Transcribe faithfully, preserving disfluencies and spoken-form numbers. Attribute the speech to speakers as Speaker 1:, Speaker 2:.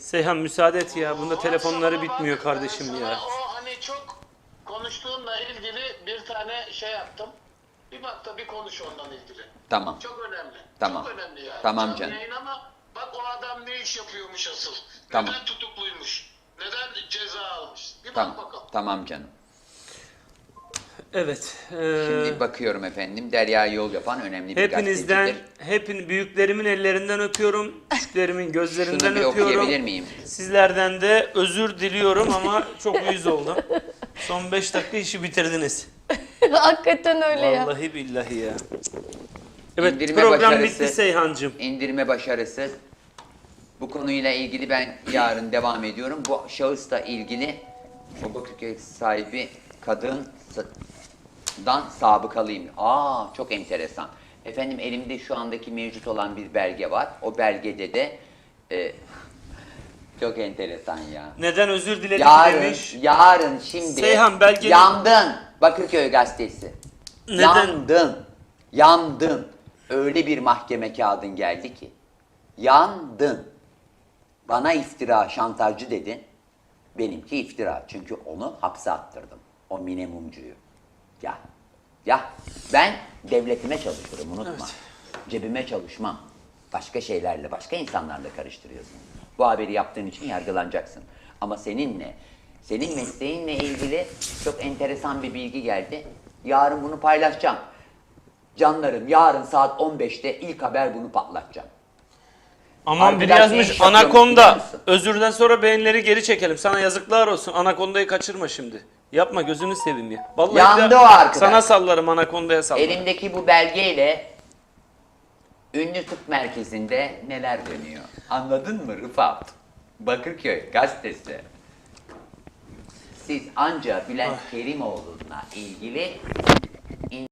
Speaker 1: Seyhan müsaade et ya. Bunda
Speaker 2: Var
Speaker 1: telefonları
Speaker 2: sana
Speaker 1: bitmiyor
Speaker 2: bak,
Speaker 1: kardeşim
Speaker 2: ben
Speaker 1: ya.
Speaker 2: sana o hani çok konuştuğunla ilgili bir tane şey yaptım. Bir bak da bir konuş ondan ilgili.
Speaker 3: Tamam.
Speaker 2: Çok önemli.
Speaker 3: Tamam.
Speaker 2: Çok önemli yani.
Speaker 3: Tamam
Speaker 2: Canlı
Speaker 3: canım.
Speaker 2: yayın ama bak o adam ne iş yapıyormuş asıl.
Speaker 3: Tamam.
Speaker 2: Neden tutukluymuş? Neden ceza almış? Bir
Speaker 3: Tamam.
Speaker 2: bak bakalım.
Speaker 3: Tamam canım.
Speaker 1: Evet. e,
Speaker 3: Şimdi bakıyorum efendim. Derya Yol Yapan önemli bir
Speaker 1: hepinizden,
Speaker 3: gazetecidir.
Speaker 1: hepin büyüklerimin ellerinden öpüyorum. Küçüklerimin gözlerinden
Speaker 3: Şunu bir
Speaker 1: öpüyorum.
Speaker 3: okuyabilir miyim?
Speaker 1: Sizlerden de özür diliyorum ama çok uyuz oldum. Son beş dakika işi bitirdiniz.
Speaker 4: Hakikaten öyle ya.
Speaker 1: Vallahi billahi ya. Evet,
Speaker 3: İndirme
Speaker 1: program
Speaker 3: başarısı-
Speaker 1: bitti Seyhancığım.
Speaker 3: İndirme başarısı. Bu konuyla ilgili ben yarın devam ediyorum. Bu şahısla ilgili o Bakırköy sahibi kadından sabıkalıyım. Aa, çok enteresan. Efendim elimde şu andaki mevcut olan bir belge var. O belgede de e, çok enteresan ya.
Speaker 1: Neden özür diledik
Speaker 3: Yarın,
Speaker 1: demiş.
Speaker 3: yarın şimdi
Speaker 1: Seyhan, belgenin-
Speaker 3: yandın Bakırköy gazetesi.
Speaker 1: Neden?
Speaker 3: Yandın, yandın. Öyle bir mahkeme kağıdın geldi ki. Yandın. Bana iftira, şantajcı dedin. Benimki iftira. Çünkü onu hapse attırdım. O minimumcuyu. Ya, ya ben devletime çalışırım, unutma.
Speaker 1: Evet.
Speaker 3: Cebime çalışmam. Başka şeylerle, başka insanlarla karıştırıyorsun. Bu haberi yaptığın için yargılanacaksın. Ama seninle, senin mesleğinle ilgili çok enteresan bir bilgi geldi. Yarın bunu paylaşacağım. Canlarım, yarın saat on beşte ilk haber bunu patlatacağım.
Speaker 1: Aman biri
Speaker 3: Arkadaş ne
Speaker 1: yazmış
Speaker 3: iş yapıyormuş biliyor
Speaker 1: Anakonda.
Speaker 3: musun?
Speaker 1: Özürden sonra beğenileri geri çekelim. Sana yazıklar olsun. Anakonda'yı kaçırma şimdi. Yapma, gözünü seveyim ya. Vallahi
Speaker 3: Yandı
Speaker 1: bir de
Speaker 3: o arkadaş.
Speaker 1: sana sallarım, Anakonda'ya sallarım.
Speaker 3: Elimdeki bu belgeyle ünlü tıp merkezinde neler dönüyor? Anladın mı Rıfat? Bakırköy gazetesi. Siz anca Bülent Kerimoğlu'na ilgili